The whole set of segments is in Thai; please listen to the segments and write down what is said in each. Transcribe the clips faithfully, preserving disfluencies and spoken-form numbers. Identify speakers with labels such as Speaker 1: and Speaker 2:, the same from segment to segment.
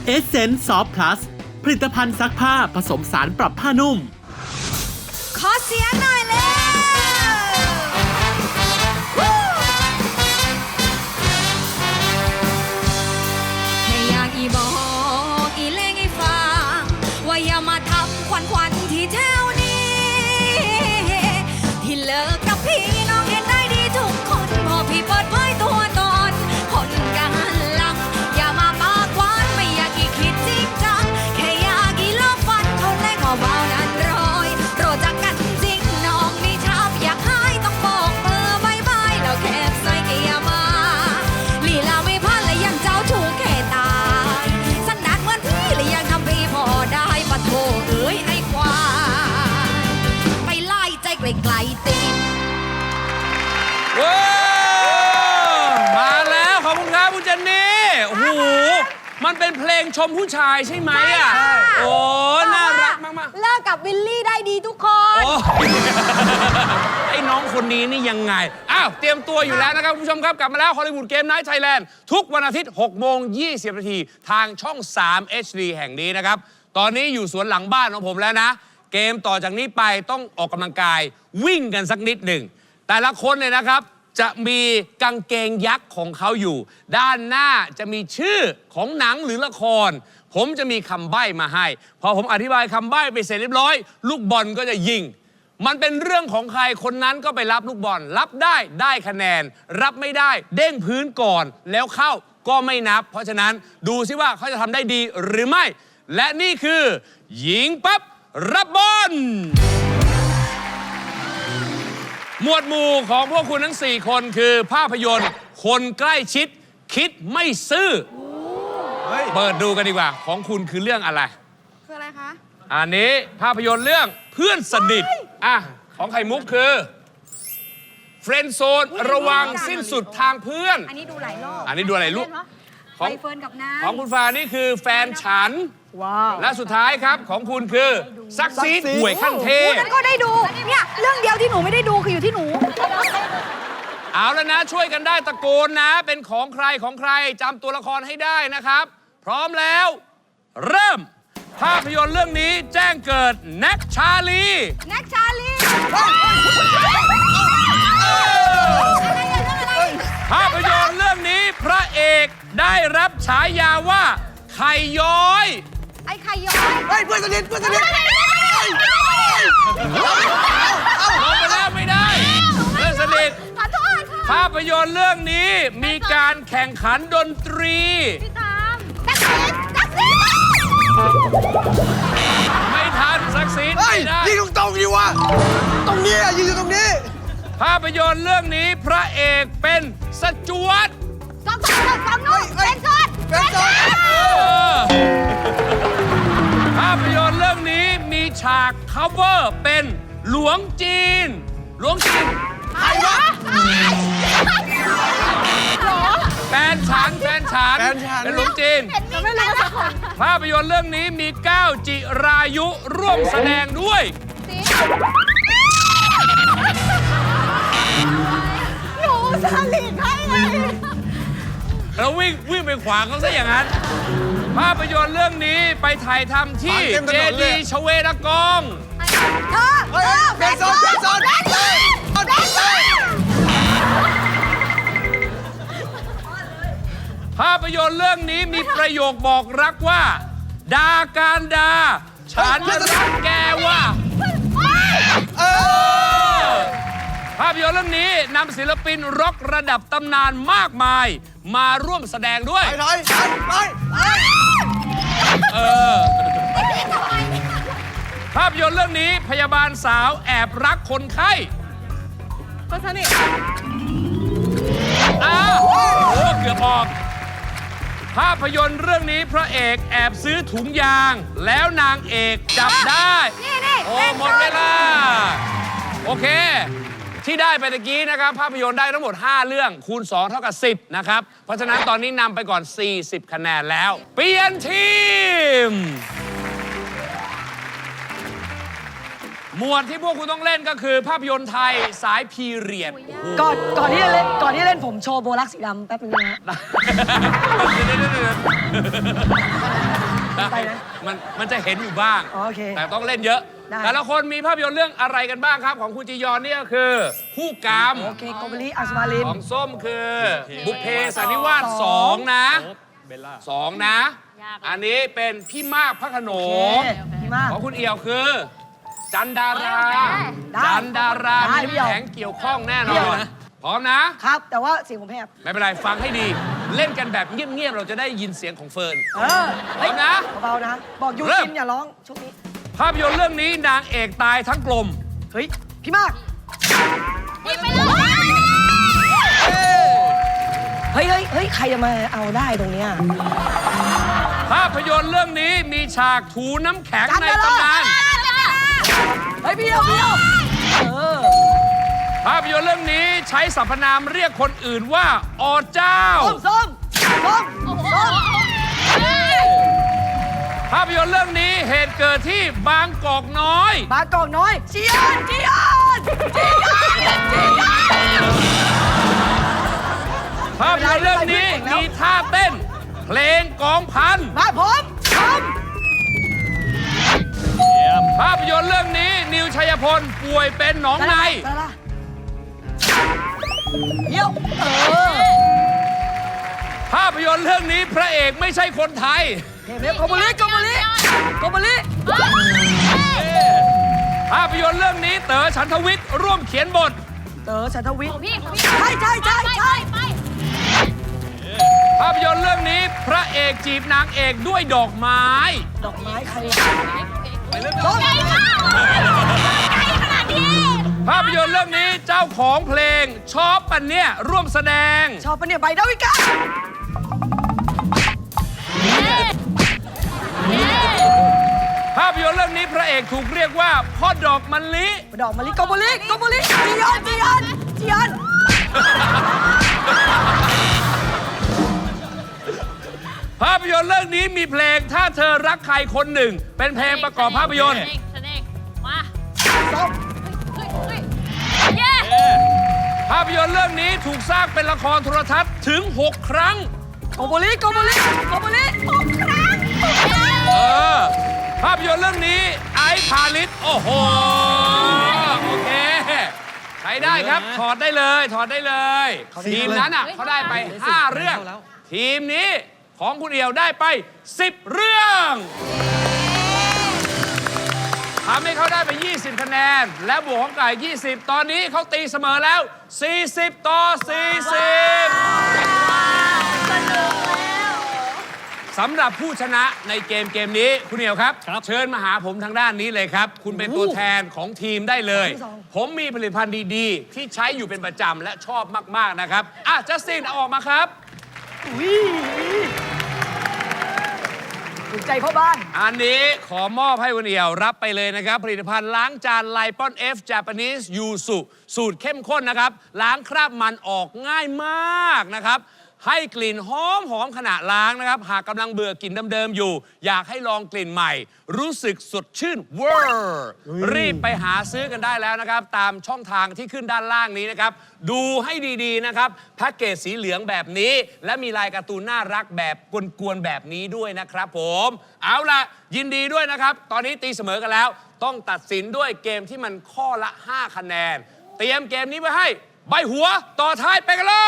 Speaker 1: Essence Soft Plus ผลิตภัณฑ์ซักผ้าผสมสารปรับผ้านุ่ม
Speaker 2: ขอเสียงหน่อยเลยแค่อยากอีบอกอีเล่งให้ฟังว่าอย่ามาทำควันควันที่แถวนี้ที่เลิกกับพี่น้องเห็นได้ดีทุกคนพอพี่เปิดเผยตัวตนคนกันหลังอย่ามาปากหวานไม่อยากอีคิดจริงจังแค่อยากอีลบฟันเขาแรงเบาๆนั้นรอยโปรดจากกันจริงน้องมีชับอยากให้ต้องบอกเบอร์บายบายแล้วแคบใส่แกอย่ามาลีลาไม่พลาดและยังเจ้าชู้แค่ตายสันดานเหมือนพี่และยังทำพี่พอได้ปะโถเอ้ยไอ้ควายไปไล่ใจไกลๆติด
Speaker 3: ว้าวมาแล้วขอบคุณครับคุณเจนนี่โอ้โหมันเป็นเพลงชมผู้ชายใช่ไหมอ่ะโอ้น่ารักมากๆ
Speaker 2: เลิกกับวิลลี่ได้ดีทุกคน
Speaker 3: โอ้ไอ้น้องคนนี้นี่ยังไงอ้าวเตรียมตัวอยู่แล้วนะครับคุณผู้ชมครับกลับมาแล้วฮอลลีวูดเกมไนท์ไทยแลนด์ทุกวันอาทิตย์หกโมงยี่สิบนาทีทางช่องสาม เอช ดี แห่งนี้นะครับตอนนี้อยู่สวนหลังบ้านของผมแล้วนะเกมต่อจากนี้ไปต้องออกกำลังกายวิ่งกันสักนิดหนึ่งแต่ละคนเนี่ยนะครับจะมีกางเกงยักษ์ของเขาอยู่ด้านหน้าจะมีชื่อของหนังหรือละครผมจะมีคำใบ้มาให้พอผมอธิบายคำใบ้ไปเสร็จเรียบร้อยลูกบอลก็จะยิงมันเป็นเรื่องของใครคนนั้นก็ไปรับลูกบอลรับได้ได้คะแนนรับไม่ได้เด้งพื้นก่อนแล้วเข้าก็ไม่นับเพราะฉะนั้นดูซิว่าเขาจะทำได้ดีหรือไม่และนี่คือยิงปั๊บรับบอลหมวดหมู่ของพวกคุณทั้งสี่คนคือภาพยนตร์คนใกล้ชิดคิดไม่ซื่อเปิดดูกันดีกว่าของคุณคือเรื่องอะไร
Speaker 2: คืออะไรคะ
Speaker 3: อันนี้ภาพยนตร์เรื่องเพื่อนสนิทอ่ะของไข่มุกคือเฟรนด์โซนระวังสิ้นสุดทางเพื่อน
Speaker 2: อันนี้ดูหลายรอบ
Speaker 3: อันนี้ดูอะไรลูก
Speaker 2: ของเฟิร์นกับน้ำ
Speaker 3: ของคุณฟ้านี่คือแฟนฉันและสุดท้ายครับของคุณคือซักซีดห่วยขั้นเทพ
Speaker 2: นั้นก็ได้ดูเนี่ยเรื่องเดียวที่หนูไม่ได้ดูคืออยู่ที่หนู
Speaker 3: เอาแล้วนะช่วยกันได้ตะโกนนะเป็นของใครของใครจำตัวละครให้ได้นะครับพร้อมแล้วเริ่มภาพยนตร์เรื่องนี้แจ้งเกิดแน็กชาลี
Speaker 2: แน็กชาลี
Speaker 3: ภาพยนตร์เรื่องนี้พระเอกได้รับฉายาว่าไข่ย้อย
Speaker 2: ไอ้ไข่ย้อย
Speaker 4: เฮ้ยเพื่อนสนิทเพื่อนสนิท
Speaker 3: ลงไปแล้วไม่ได้เพื่อนสนิทภาพยนตร์เรื่องนี้มีการแข่งขันดนตรี
Speaker 2: พี่ตามตักซีตักซี
Speaker 3: ไม่ทันซักซีดไม่ได้
Speaker 4: ยิงตรงๆดีวะตรงนี้ยิงอยู่ตรงนี้
Speaker 3: ภาพยนตร์เรื่องนี้พระเอกเป็นสจวต
Speaker 2: สองคนสองนู้นเป็นซอน
Speaker 4: เป็นซอน
Speaker 3: ภาพยนตร์เรื่องนี้มีฉาก cover เป็นหลวงจีนหลวงจีน
Speaker 4: ใครวะ
Speaker 3: แฟนฉันแฟนฉันเป็นหลวงจีนภาพยนตร์เรื่องนี้มีก้าวจิรายุร่วมแสดงด้วย
Speaker 2: หนูสลิดให้เลย
Speaker 3: เราวิ่งวิ่งไปขวางเขาซะอย่างนั้นภาพยนตร์เรื่องนี้ไปถ่ายทำที่เจดีย์ชเวดากอง
Speaker 2: เธอเธอ
Speaker 4: เป็นซอนเป็นซอนเป็นซอน
Speaker 3: ภาพยนตร์เรื่องนี้มีประโยคบอกรักว่าดาการดาฉันรักแกว่าภาพยนตร์เรื่องนี้นำศิลปินร็อกระดับตำนานมากมายมาร่วมแสดงด้วย
Speaker 4: ไปไปไป
Speaker 3: เออภาพยนตร์เรื่องนี้พยาบาลสาวแอบรักคนไข้
Speaker 2: คนสนิท
Speaker 3: อ้าวโอ้เกือบออกภาพยนตร์เรื่องนี้พระเอกแอบซื้อถุงยางแล้วนางเอกจับได้โอ้หมดเวลาโอเคที่ได้ไปตะกี้นะครับภาพยนตร์ได้ทั้งหมดห้าเรื่องคูณสองเท่ากับสิบนะครับเพราะฉะนั้นตอนนี้นำไปก่อนสี่สิบคะแนนแล้วเปลี่ยนทีมหมวดที่พวกคุณต้องเล่นก็คือภาพยนตร์ไทยสายพีเรียด
Speaker 5: ก่อนก่อนที่จะเล่นก่อนที่จะเล่นผมโชว์โบลักสีดำแป๊บนึงนะฮะ ไปนะ
Speaker 3: มันมันจะเห็นอยู่บ้าง
Speaker 5: อ๋อโอเค
Speaker 3: แต่ต้องเล่นเยอะ
Speaker 5: ได้
Speaker 3: แต่ละคนมีภาพยนตร์เรื่องอะไรกันบ้างครับ ของคุณจียอนเนี่ยคือคู่กรรม
Speaker 5: โอเคโกเบลีอัศมาลิน
Speaker 3: ของส้มคือบุพเพสันนิวาสสองนะสองนะ อันนี้เป็นพี่มากพระโขน
Speaker 5: โอง เคพี่มาก
Speaker 3: ของคุณเอี่ยวคือ จันดารา
Speaker 5: ได้
Speaker 3: จันดารา
Speaker 5: ได้
Speaker 3: มี
Speaker 5: พี่เอี่ยว
Speaker 3: แผงเกี่ยวข้องแน่น
Speaker 5: พี่
Speaker 3: อ
Speaker 5: เอี่ยวน นะ
Speaker 3: พร้อมนะ
Speaker 5: ครับ แต่ว่าเสียงผมแหบ
Speaker 3: ไม่เป็นไร ฟังให้ดี เล่นกันแบบเงียบ ๆ เราจะได้ยินเสียงของเฟิร์น
Speaker 5: เออ
Speaker 3: พร้อมนะ
Speaker 5: เบาๆนะ บอกยู
Speaker 3: เริ่ม
Speaker 5: จินอย่าร้องช่วงนี้
Speaker 3: ภาพยนตร์เรื่องนี้นางเอกตายทั้งกลม
Speaker 5: เฮ้ย พี่มาก
Speaker 2: หยิบไปเลย
Speaker 5: เฮ้ยเฮ้ยเฮ้ยใครจะมาเอาได้ตรงเนี้ย
Speaker 3: ภาพยนตร์เรื่องนี้มีฉากถูน้ำแข็ง
Speaker 5: จัน
Speaker 3: ใน
Speaker 5: ดารา
Speaker 3: ตำนาน
Speaker 5: เฮ้ยพี่เดียวพี่เดียวเออ
Speaker 3: ภาพยนตร์เรื่องนี้ใช้สรรพนามเรียกคนอื่นว่าอเจ้า
Speaker 5: ส้มส้มส้มส้ม
Speaker 3: ภาพยนตร์เรื่องนี้เหตุเกิดที่บางกอกน้อย
Speaker 5: บางกอกน้อยเจียนเจียนเจียนเจียน
Speaker 3: ภาพยนตร์เรื่องนี้มีท่าเต้น เพลงกองพัน
Speaker 5: มาผมผม
Speaker 3: ภาพยนตร์เรื่องนี้นิวชัยพลป่วยเป็นหนองใน
Speaker 5: ดาราเดี๋ยวเออ
Speaker 3: ภาพยนตร์เรื่องนี้พระเอกไม่ใช่คนไทย
Speaker 5: เดี๋ยวโกโบลิโกโบลิโกโบลิ
Speaker 3: ภาพยนตร์เรื่องนี้เต๋อฉันทวิทย์ร่วมเขียนบท
Speaker 5: เต๋อชันทวิทย์
Speaker 2: ของพี่ของพี่
Speaker 5: ใช่ใช่ใช่ใช่
Speaker 2: ไป
Speaker 3: ภาพยนตร์เรื่องนี้พระเอกจีบนางเอกด้วยดอกไม้
Speaker 5: ดอกไม้ใคร
Speaker 2: ส้มใหญ่มากใหญ่ขนาดนี้
Speaker 3: ภาพยนตร์เรื่องนี้เจ้าของเพลงชอบปันเนี่ยร่วมแสดง
Speaker 5: ชอบปะเนี่ยใบดาวิกา
Speaker 3: ภาพยนตร์เรื่องนี้พระเอกถูกเรียกว่าพ่อดอกมะลิ
Speaker 5: ดอกมะลิโกโบลิโกโบลิจียอนจียอนจียอน
Speaker 3: ภาพยนตร์เรื่องนี้มีเพลงถ้าเธอรักใครคนหนึ่ง เป็นเพลงประกอบภาพยนตร์
Speaker 2: แสดงมา
Speaker 5: ส้ม
Speaker 2: เฮ้ยเฮ้ยเย้
Speaker 3: ภาพยนตร์เรื่องนี้ถูกสร้างเป็นละครโทรทัศน์ถึง หก ครั้ง
Speaker 5: โกโบลิโกโบลิโกโบลิหกครั้ง
Speaker 3: เออ ภาพยนตร์เรื่องนี้ไอซ์พาลิสโอ้โห โอเค ใช้ได้ครับ ถอดได้เลย ถอดได้เลย ทีมนั้นอ่ะเขาได้ไป ห้า เรื่อง ทีมนี้ของคุณเอี่ยวได้ไป สิบ เรื่องทำให้เขาได้ไป ยี่สิบ คะแนน และบวกของไก่ ยี่สิบ ตอนนี้เขาตีเสมอแล้ว สี่สิบ ต่อ สี่สิบ สำหรับผู้ชนะในเกมเกมนี้คุณเอี่ยวครับ เชิญมาหาผมทางด้านนี้เลยครับ คุณเป็นตัวแทนของทีมได้เลย ผมมีผลิตภัณฑ์ดีๆ ที่ใช้อยู่เป็นประจำและชอบมากๆนะครับ อ่ะจัสตินเอาออกมาครับ
Speaker 5: ถูกใจพ่อบ้าน
Speaker 3: อันนี้ขอมอบให้คุณเอี่ยวรับไปเลยนะครับ ผลิตภัณฑ์ล้างจานไลปอน F Japanese Yuzu สูตรเข้มข้นนะครับ ล้างคราบมันออกง่ายมากนะครับ ให้กลิ่นหอมหอมขณะล้างนะครับ หากกำลังเบื่อกลิ่นเดิมๆอยู่ อยากให้ลองกลิ่นใหม่ รู้สึกสดชื่นเวอร์รีบไปหาซื้อกันได้แล้วนะครับ ตามช่องทางที่ขึ้นด้านล่างนี้นะครับ ดูให้ดีๆนะครับแพ็กเกจสีเหลืองแบบนี้ และมีลายการ์ตูนน่ารักแบบกวนๆแบบนี้ด้วยนะครับผม เอาล่ะ ยินดีด้วยนะครับ ตอนนี้ตีเสมอกันแล้ว ต้องตัดสินด้วยเกมที่มันข้อละ ห้า คะแนน เตรียมเกมนี้ไว้ให้ใบหัวต่อท้ายไปกันเลย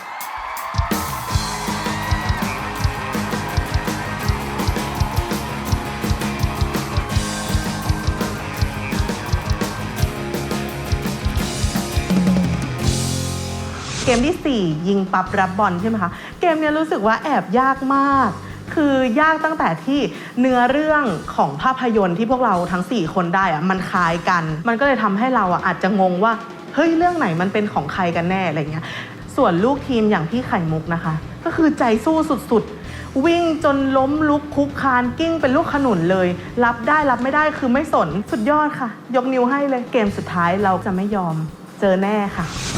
Speaker 6: เกมที่สี่ยิงปั๊บรับบอลใช่ไหมคะ เกมเนี้ยรู้สึกว่าแอบยากมาก คือยากตั้งแต่ที่เนื้อเรื่องของภาพยนตร์ที่พวกเราทั้งสี่คนได้อะมันคล้ายกัน มันก็เลยทำให้เราอะอาจจะงงว่าเฮ้ยเรื่องไหนมันเป็นของใครกันแน่อะไรเงี้ย ส่วนลูกทีมอย่างพี่ไข่มุกนะคะ ก็คือใจสู้สุดๆ วิ่งจนล้มลุกคุกคานกิ้งเป็นลูกขนุนเลย รับได้รับไม่ได้คือไม่สนสุดยอดค่ะ ยกนิ้วให้เลยเกมสุดท้ายเราจะไม่ยอมเจอแน่ค่ะ